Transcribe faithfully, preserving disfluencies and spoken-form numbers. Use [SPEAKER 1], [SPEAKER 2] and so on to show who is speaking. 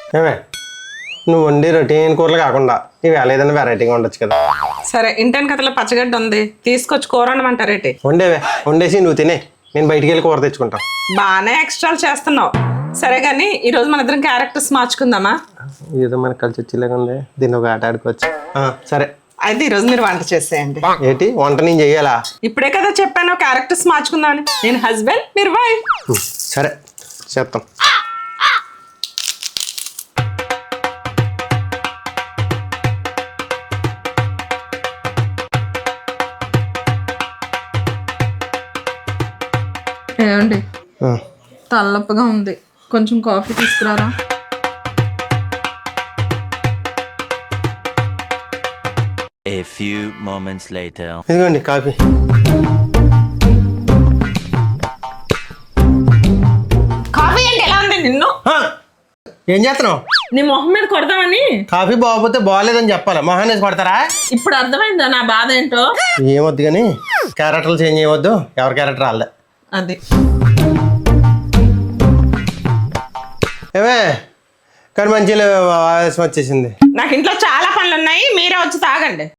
[SPEAKER 1] ఏమే నువ్వు వండి రొటీన్ కూరలు కాకుండా ఇవేళ ఏదైనా వెరైటీగా ఉండొచ్చు కదా.
[SPEAKER 2] సరే ఇంటెన్ కథలో పచ్చగడ్డ ఉంది, తీసుకొచ్చి కూర వండమంటారేటి?
[SPEAKER 1] వండేవే, వండేసి నువ్వు తినే, నేను బయటికి వెళ్ళి కూర తెచ్చుకుంటాను.
[SPEAKER 2] బాగానే ఎక్స్ట్రాలు చేస్తున్నావు. సరే కానీ ఈరోజు మన ఇద్దరం క్యారెక్టర్స్ మార్చుకుందామా?
[SPEAKER 1] ఏదో మనకు కలిసి వచ్చేలాగా ఉంది, దీన్ని ఒక ఆట ఆడుకోవచ్చు. ఆ, సరే
[SPEAKER 2] అయితే ఈరోజు మీరు వంట చేసేయండి.
[SPEAKER 1] ఏంటి వంట నేను చెయ్యాలా?
[SPEAKER 2] ఇప్పుడే కదా చెప్పాను క్యారెక్టర్స్ మార్చుకుందామని. నేను హస్బెండ్, మీరు వైఫ్.
[SPEAKER 1] సరే చేస్తాం.
[SPEAKER 2] ఏమండి
[SPEAKER 1] ఆ,
[SPEAKER 2] తలనొప్పిగా ఉంది, కొంచెం కాఫీ తీసుకురారా.
[SPEAKER 3] A few moments later.
[SPEAKER 1] ఇదిగోండి కాఫీ.
[SPEAKER 2] కాఫీ అంటే ఎలా ఉంది నిన్ను?
[SPEAKER 1] ఆ, ఏం చేస్తున్నావు?
[SPEAKER 2] నీ మొహం మీద కొడదామని.
[SPEAKER 1] కాఫీ బాగోపోతే బాగోలేదని చెప్పాలి, మొహాన్ని వేసి కొడతారా?
[SPEAKER 2] ఇప్పుడు అర్థమైందా నా బాధ ఏంటో?
[SPEAKER 1] ఏమొద్దు కానీ క్యారెక్టర్లు చేంజ్ చేయవద్దు, ఎవరి క్యారెక్టర్ వాళ్ళే.
[SPEAKER 2] అది
[SPEAKER 1] ఏమే కానీ మంచిగా ఆవేశం వచ్చేసింది.
[SPEAKER 2] నాకు ఇంట్లో చాలా పనులు ఉన్నాయి, మీరే వచ్చి తాగండి.